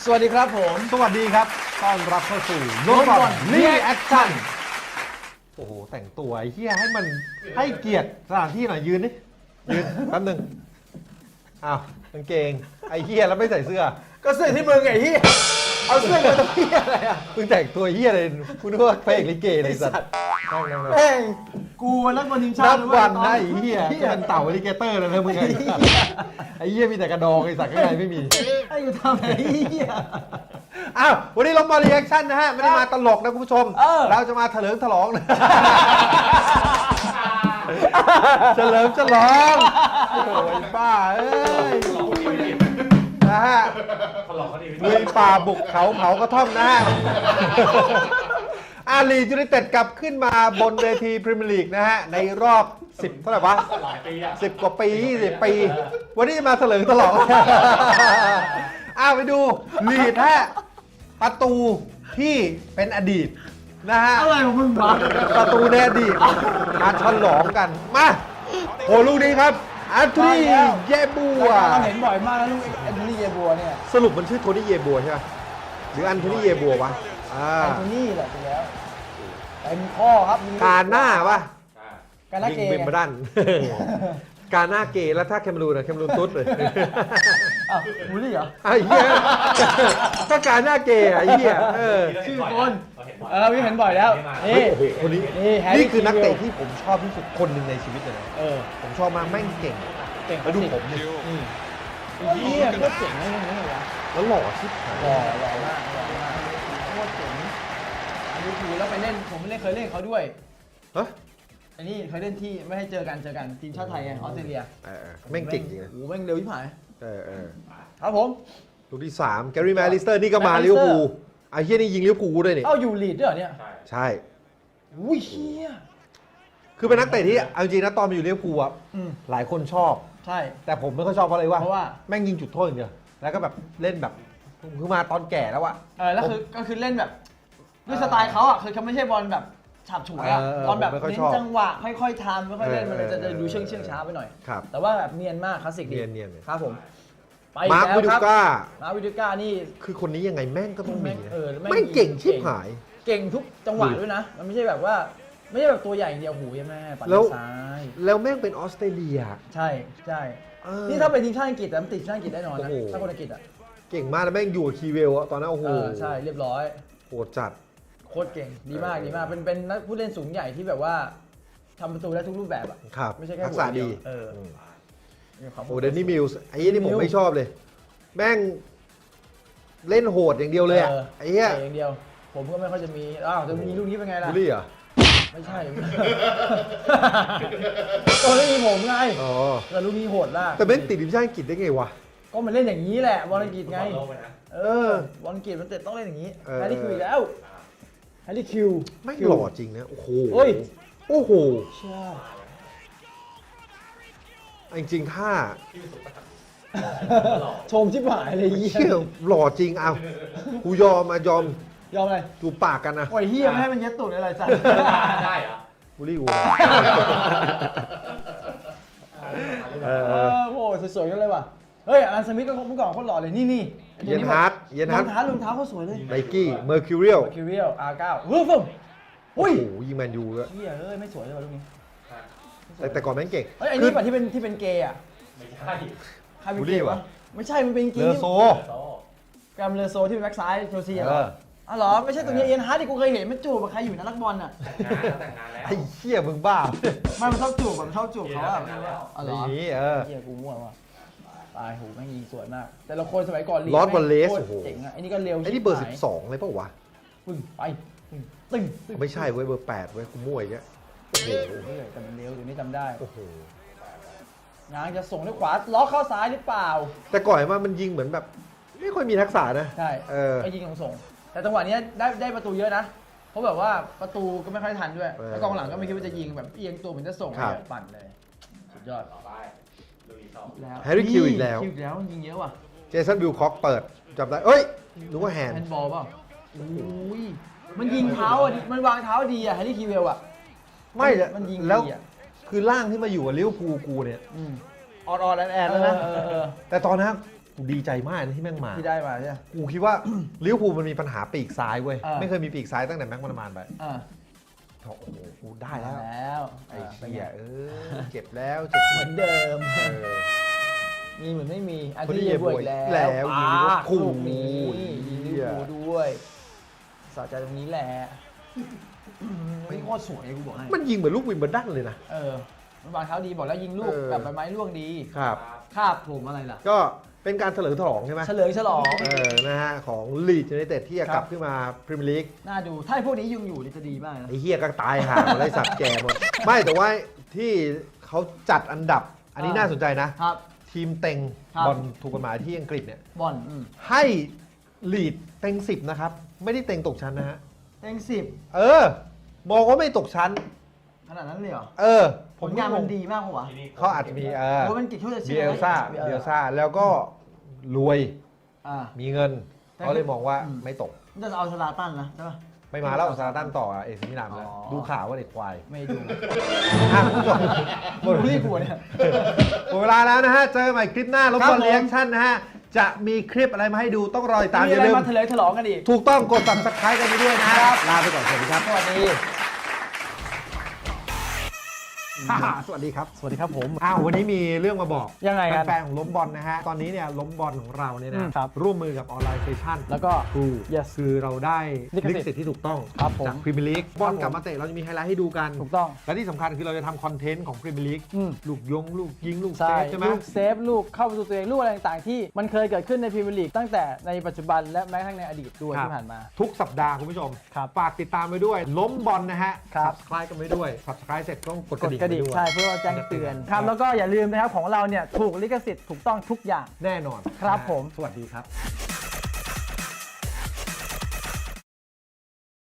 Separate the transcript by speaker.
Speaker 1: วัสดีครับผม
Speaker 2: สวัสดีครับต้อนรับเข้าสู่โน้ตบอลรีแอคชั่นโอ้โหแต่งตัวไอ้เหี้ยให้มันให้เกียรติสถานที่หน่อยยืนนี่ยืนแป๊บนึงอ้าวกางเกงไอ้เหี้ยแล้วไม่ใส่เสื้อ
Speaker 1: ก็เสื้อที่มึงไงเฮียเอาเสื้อมาทำเฮียอะไรอ่ะ
Speaker 2: มึงแต่งตัวเหี้ยเลยกูนึกว่าพระเอกลิเกเลยสัตว์นั่ง
Speaker 1: เอ้ยกูนักบอลทีมชา
Speaker 2: นั
Speaker 1: ติ
Speaker 2: บวันนะไอ้เหี้ยจะเป็นเต่าอลิเกเตอร์แล้วนะมึงไงไอ้เหี้ยมีแต่กระดองไอ้สัตว์ข้างในไม่มี
Speaker 1: ให้กูทำอะไรเฮีย
Speaker 2: อ้าววันนี้เรามารีแอคชั่นนะฮะไม่ได้มาตลกนะคุณผู้ชม เราจะมาเถลิงฉลองนะเฉลิมฉลองโอ้ยป้าเอ้ยนะฮะลุยป่าบุกเขาเผากระท่อมนะฮะอาลียูไนเต็ดกลับขึ้นมาบนเวทีพรีเมียร์ลีกนะฮะในรอบ10เท่าไหร่วะ10 กว่าปี20 ปี วันนี้มาเถลิงฉลองไปดูลีดฮะประตูที่เป็นอดีตนะฮะ
Speaker 1: อะไรของมึงวะ
Speaker 2: ประตูในอดีตมาฉลองกันมาโหลูกนี้ครับอันโทนีเยบัว
Speaker 1: เราเห็นบ่อยมากนะลูกแอนโทนีเยบัวเนี่ย
Speaker 2: สรุปมันชื่อโทนี่เยบัวใช่ไหมหรืออันโทนี่เยบัววะ
Speaker 1: แอนโทนีแหละไปแล้วเต็มข้อครับ
Speaker 2: การหน้าวะ
Speaker 1: การหน้า
Speaker 2: ยิง
Speaker 1: เกย์
Speaker 2: บินมาด้านการหน้าเกย์แล้วถ้าแคมรูนอะแคมรูนตุ๊ดเลย
Speaker 1: อ้าวบูลลี่เหรอ
Speaker 2: ไอ้เหี้ยก็การหน้าเกย์อะไอ้เหี้ย
Speaker 1: ชื่อคนพี่เห็นบ่อยแล้วนี่
Speaker 2: โอ้โหคนนี้
Speaker 1: นี่
Speaker 2: คือนักเตะที่ผมชอบที่สุดคนหนึ่งในชีวิตเลยนะผมชอบมากแม่งเก่ง
Speaker 1: เก่ง
Speaker 2: แล้วดูผมนี่
Speaker 1: เฮียโคตรเจ๋งเลยนี่เหรอ
Speaker 2: แล้วหล่อชิบหาย
Speaker 1: หล่อมากโคตรเจ๋งอันนี้คือแล้วไปเล่นผมไม่ได้เคยเล่นเขาด้วย
Speaker 2: ฮะ
Speaker 1: อันนี้เคยเล่นที่ไม่ให้เจอกันทีมชาติไทยไงออสเตรเลีย
Speaker 2: แม่งเก่งจริงนะ
Speaker 1: โอ้โหแม่งเร็วที่ผาย ครับผม
Speaker 2: ลูกที่3แกรี่แมลิสเตอร์นี่ก็มาลิเวอร์พูลไอ้เหี้ยนี่ยิงลิเวอร์พูลด้วยนี่
Speaker 1: เอ้าอยู่ลีดด้วยเหรอเนี่ย
Speaker 2: ใช่
Speaker 1: อุ้ยเฮีย
Speaker 2: คือเป็นนักเตะที่เอาจริงนะตอนมาอยู่ลิเวอร์พูลอะ
Speaker 1: อืม
Speaker 2: หลายคนชอบ
Speaker 1: ใช่
Speaker 2: แต่ผมไม่ค่อยชอบเพราะอะไรวะ
Speaker 1: เพราะว่า
Speaker 2: แม่งยิงจุดโทษอย่างเดียวแล้วก็แบบเล่นแบบคือมาตอนแก่แล้วอะ
Speaker 1: แล้วคือก็คือเล่นแบบด้วยสไตล์เขาอ่ะคือเขาไม่ใช่บอลแบบฉับฉวยอ่ะบอลแบบเน้นจังหวะค่อยๆทำค่อยๆเล่นมันเลยจะดูเชื่องช้าไปหน่อย
Speaker 2: ครับ
Speaker 1: แต่ว่าแบบเนียนมากคลาสสิกดี
Speaker 2: เนียน
Speaker 1: ครับผมไป
Speaker 2: มาร์ค
Speaker 1: แล้ว
Speaker 2: วิดู
Speaker 1: ครับ
Speaker 2: ก้า
Speaker 1: มาร์ควิดูก้านี่
Speaker 2: คือคนนี้ยังไงแม่งก็ต้องมีนะ
Speaker 1: แม่ง
Speaker 2: แม่งเก่งชิบหาย
Speaker 1: เก่งทุกจังหวะด้วยนะ มันไม่ใช่แบบว่าไม่ใช่แบบตัวใหญ่อย่างเดียวหูยแม่ปัด
Speaker 2: แล้ว
Speaker 1: ซ้าย
Speaker 2: แล้วแม่งเป็นออสเตรเลีย
Speaker 1: ใช่ใช่
Speaker 2: เออ
Speaker 1: นี่ถ้าเป็นทีมชาติอังกฤษแต่มันติดทีมชาติอังกฤษแน่นอนนะ
Speaker 2: โอ้โห
Speaker 1: ถ้าคนอังกฤษอ่ะ
Speaker 2: เก่งมากแล้วแม่งอยู่กับคีเวลอะตอนนั้นโอ้โห
Speaker 1: ใช่เรียบร้อย
Speaker 2: โหดจัด
Speaker 1: โคตรเก่งดีมากดีมากเป็นนักผู้เล่นสูงใหญ่ที่แบบว่าทำประตูได้ทุกรูปแบบอ่ะ
Speaker 2: ครับ
Speaker 1: ไม่ใช่แค่
Speaker 2: ทักษะดี
Speaker 1: ม
Speaker 2: โอ้เดนนี่มิลส์ไอ้เหี้ยนี่ผมไม่ชอบเลย แม่งเล่นโหดอย่างเดียวเลยอะไอ้เหี้ย
Speaker 1: เตะอย่างเดียว ผมก็ไม่ค่อยจะมีจะมีลูกนี้เป็นไงล่ะ
Speaker 2: บูลลี่เหรอ
Speaker 1: ไม่ใช่ ตัวไม่มีผมไง
Speaker 2: อ๋อ
Speaker 1: แต่ลูกนี้โหดมาก
Speaker 2: แต่แม่งติดทีมชาติอังกฤษได้ไงวะ
Speaker 1: ก็มันเล่นอย่างนี้แหละบอลอังกฤษไงบอลอังกฤษมันเตะต้องเล่นอย่างนี้
Speaker 2: เออ
Speaker 1: แฮร์รี่คิวอีกแล้วแฮร์รี่คิว
Speaker 2: แม่งหล่อจริงนะโอ้โห
Speaker 1: เฮ้ย
Speaker 2: โอ้โห
Speaker 1: ใช่
Speaker 2: จริงๆถ้า
Speaker 1: ชมชิบหายเลยเหี้ย
Speaker 2: เชี่ยหล่อจริงเอากูยอมยอม
Speaker 1: ยอมเลย
Speaker 2: จูบปากกันนะ
Speaker 1: โอ้ยเฮียไม่ให้มันเย็ดตูดอะไรจ้ะ
Speaker 3: ได้เหรอ
Speaker 2: บูลลี่กู
Speaker 1: โอ้ยสวยๆกันเลยว่ะเฮ้ยอันสมิธก็เมื่อก่อนโคตรหล่อเลยนี่
Speaker 2: เยนฮาร์ดเยน
Speaker 1: ร
Speaker 2: ฮา
Speaker 1: อ
Speaker 2: ร์
Speaker 1: ง
Speaker 2: ด
Speaker 1: เท้ารองเท้าเขาสวยเลย
Speaker 2: ไนกี้เมอร์คิวเรียล
Speaker 1: คิวเรียล R9 เฮ้ยฟึ่ม
Speaker 2: โอ้
Speaker 1: อุ้ย
Speaker 2: โหยิงแมนยูด้วย
Speaker 1: เฮียเอ้ยไม่สวยเลยว่ะลูกนี้
Speaker 2: แต่ก่อนแม่งเก่ง
Speaker 1: เฮ้ยไอ้นี่ป่ะที่เป็นเกย์อ่ะ
Speaker 3: ไม่ใช่
Speaker 1: ใครเป็น
Speaker 2: บูล
Speaker 1: เก
Speaker 2: ลี่
Speaker 1: ย์วะ
Speaker 2: วะ
Speaker 1: ไม่ใช่มันเป็นเก
Speaker 2: เล
Speaker 1: ย์
Speaker 2: อโซ
Speaker 3: โซ่
Speaker 1: แกรมเลอโซที่เป็นแบ็คซ้ายเชลซีเหร
Speaker 2: เอ
Speaker 1: อ
Speaker 2: อ
Speaker 1: อ๋อเหรอไม่ใช่ตัวนี้เอ็นฮาร์ดที่กูเคยเห็นมันจูบกับใครอยู่นะนักบอลอ่ะ
Speaker 3: แต่งงานแล้ว
Speaker 2: ไอ้เหี้ยมึงบ้า
Speaker 1: มันชอบจูบมันชอบจูบเขาอ่ะอ๋อเหรอ
Speaker 2: อย่างนี้
Speaker 1: เฮียกูมั่วว่ะตายโหแม่งยิงสวยมาก แต่ละคนสมัยก่อนลีก
Speaker 2: ลอส
Speaker 1: แม่ง
Speaker 2: วอลเลส
Speaker 1: โคตร
Speaker 2: โอ้โห
Speaker 1: เจ๋งอ่ะไอ้นี่ก็เร็ว
Speaker 2: ไอ้นี่เบอร์
Speaker 1: ชิหาย
Speaker 2: 12เลยเปล่าวะ
Speaker 1: ปึ้งไปตึ้ง
Speaker 2: ไม่ใช่เว้ยเบอร์8เว้ยกูมั่วอีกแล้วโอ้โห
Speaker 1: แต่มันเร็วอยู่นี่จำได้
Speaker 2: โอ้โห
Speaker 1: งานจะส่งด้วยขวาล็อกเข้าซ้ายหรือเปล่า
Speaker 2: แต่ก่อนว่ามันยิงเหมือนแบบ ไม่ค่อยมีทักษะนะ
Speaker 1: ใช่
Speaker 2: เออ
Speaker 1: ก็ยิงส่งแต่จังหวะนี้ได้ประตูเยอะนะเพราะแบบว่าประตูก็ไม่ค่อยทันด้วยแล้วกองหลังก็ไม่คิดว่าจะยิงแบบเอียงตัวเหมือนจะส่งเลยปั่นเลยสุดยอด
Speaker 3: ต่อไปลุยต่อ
Speaker 1: แล้ว
Speaker 2: แฮร์รี่คิวอีกแล้ว
Speaker 1: คิวอีกแล้วยิงเยอะว่ะ
Speaker 2: เจสันบิลคอกเปิดจับได้เอ้ยนึกว่าแฮนด์
Speaker 1: แฮนด์บอลเปล่าอุ้ยมันยิงเท้าอ่ะมันวางเท้าดีอ่ะแฮร์รี่คิวเวลอ่ะ
Speaker 2: ไม่เลย
Speaker 1: มันยิง
Speaker 2: แล้ว
Speaker 1: ดีอ่ะ
Speaker 2: คือร่างที่มาอยู่กับลิเวอร์พูลกูเนี่ย
Speaker 1: อืม
Speaker 2: ออดแอนแล้วนะ
Speaker 1: เออ
Speaker 2: แต่ตอนนั้นกูดีใจมากนะที่แม่งมา
Speaker 1: ที่ได้มาใช่ไหม
Speaker 2: กูคิดว่า ลิเวอร์พูลมันมีปัญหาปีกซ้ายเว้ย
Speaker 1: เออ
Speaker 2: ไม่เคยมีปีกซ้ายตั้งแต่แม็กมันมานไป
Speaker 1: อ่า
Speaker 2: โอ้โหกูได้แล้ว
Speaker 1: แล้ว
Speaker 2: ไอ้
Speaker 1: เป็น
Speaker 2: เหี้
Speaker 1: ไง
Speaker 2: ยเจ็บแล้วเจ็บ
Speaker 1: เหมือนเดิม
Speaker 2: เออ
Speaker 1: มีเหมือนไม่มีอัน
Speaker 2: คนที่
Speaker 1: ที่เยบวยอีก
Speaker 2: แล้
Speaker 1: แล้ว
Speaker 2: ยิงลิเวอร์พูล
Speaker 1: ลูกนี้
Speaker 2: โอ้ย
Speaker 1: ยิงลิเวอร์พูลด้วยสะใจตรงนี้แหละไม่โคตรสวยกูบอกให้
Speaker 2: มันยิงเหมือนลูกวิมเบิลดันเลยนะ
Speaker 1: มันวางเท้าดีบอกแล้วยิงลูก
Speaker 2: เออ
Speaker 1: แบบใบไม้ร่วงดี
Speaker 2: ครับ
Speaker 1: คาบผมอะไรล่ะ
Speaker 2: ก็เป็นการเฉลิมฉลองใช่ไหม
Speaker 1: เฉลิมฉลอง
Speaker 2: นะฮะของลีดยูไนเต็ดที่จะ
Speaker 1: ครับ
Speaker 2: กลับขึ้นมาพรีเมียร์ลีก
Speaker 1: น่าดูถ้าไอ้พวกนี้ยังอยู่นี่จะดีมากนะ
Speaker 2: ไอ้เฮียก็ตายห่าหมดไอ้สัตว์แก่หมด ไม่แต่ว่าที่เขาจัดอันดับ อันนี้น่าสนใจนะ
Speaker 1: ครับ
Speaker 2: ทีมเต็ง
Speaker 1: ครับ
Speaker 2: บอลถูกกฎหมายที่อังกฤษเนี่ย
Speaker 1: บอล
Speaker 2: ให้ลีดเต็ง10นะครับ ไม่ได้เต็งตกชั้นนะฮะ
Speaker 1: เต็งสิบ
Speaker 2: มองว่าไม่ตกชั้น
Speaker 1: ขนาดนั้นเลยเหรอ
Speaker 2: ผ
Speaker 1: ผม ลงานมันดีมากกว่า
Speaker 3: ที่นี่
Speaker 2: เขาอาจจะมี
Speaker 1: โอ้มันกิจช่วยจะ
Speaker 2: เบี
Speaker 1: เชื่อย
Speaker 2: ลซ่าเบียลซ่าแล้วก็รวย
Speaker 1: อ่า
Speaker 2: มีเงิน
Speaker 1: แต่
Speaker 2: เขาเลยมองว่า
Speaker 1: อืม
Speaker 2: ไม่ตก
Speaker 1: จะเอาสลาตันนะใช่ปะ
Speaker 2: ไม่มาแล้วซาร์ตันต่อเอซิมิลานแล้ว
Speaker 1: อ๋อ
Speaker 2: ดูข่าวว่าเด็กควาย
Speaker 1: ไม่ดู
Speaker 2: คุณผู้ชมหมด
Speaker 1: รีบหัวเนี่ย
Speaker 2: หมดเวลาแล้วนะฮะ เจอใหม่คลิปหน้าลบ
Speaker 1: ครับ
Speaker 2: บอล
Speaker 1: ผม
Speaker 2: เรีแอคชั่นนะฮะ จะมีคลิปอะไรมาให้ดูต้องรอติดตาม
Speaker 1: มี
Speaker 2: อย่า
Speaker 1: อะไร
Speaker 2: ลืม
Speaker 1: มาเถลิงฉลองกันอีก
Speaker 2: ถูกต้องกด subscribe กันไปด้วยนะฮะลาไปก่อนสวัสดีครับ
Speaker 1: สวัสดี
Speaker 2: สวัสดีครับ
Speaker 1: สวัสดีครับผม
Speaker 2: วันนี้มีเรื่องมาบอก
Speaker 1: ยังไงกัน
Speaker 2: แฟนๆของล้มบอลนะฮะ ตอนนี้เนี่ยล้มบอลของเราเนี่ยนะครับ ร่วมมือกับออนไลน์เซชั่น
Speaker 1: แล้วก็
Speaker 2: ครู
Speaker 1: Yes
Speaker 2: คือเราได้
Speaker 1: ลิขสิทธิ์
Speaker 2: ลิขสิทธิ์ที่ถูกต้อง
Speaker 1: ครับผม
Speaker 2: จากพรีเมียร์ลีกบอลกลับมาเตะเราจะมีไฮไลท์ให้ดูกัน
Speaker 1: ถูกต้อง
Speaker 2: และที่สำคัญคือเราจะทำคอนเทนต์ของพรีเมียร์ลีก
Speaker 1: อืม
Speaker 2: ลูกลูกยิงลูกเซ
Speaker 1: ใช่
Speaker 2: ฟใช่ไหม
Speaker 1: ลูกเซฟลูกเข้าประตูตัวเองลูกอะไรต่างๆที่มันเคยเกิดขึ้นในพรีเมียร์ลีกตั้งแต่ในปัจจุบันและแม้กระทั่งในอดีตด้วย
Speaker 2: ครับ
Speaker 1: ที่ผ่านมา
Speaker 2: ทุกสัปดาห์คุณผู้ชม
Speaker 1: ครับ
Speaker 2: ฝากติดตามไปด้วย ล้มบอลนะฮะ
Speaker 1: ครับ
Speaker 2: subscribe กันไปด้วย subscribe เสร็จต้องกด
Speaker 1: ก
Speaker 2: กระ
Speaker 1: ด
Speaker 2: ดิ่ง
Speaker 1: กระดิ่ง
Speaker 2: ไปด้วย
Speaker 1: ใช่เพื่อแจ้งเตือนครับแล้วก็อย่าลืมนะครับของเราเนี่ยถูกลิขสิทธิ์ถูกต้องทุกอย่าง
Speaker 2: แน่นอน
Speaker 1: ครับ
Speaker 2: นะฮะ
Speaker 1: ผม
Speaker 2: สวัสดีครับ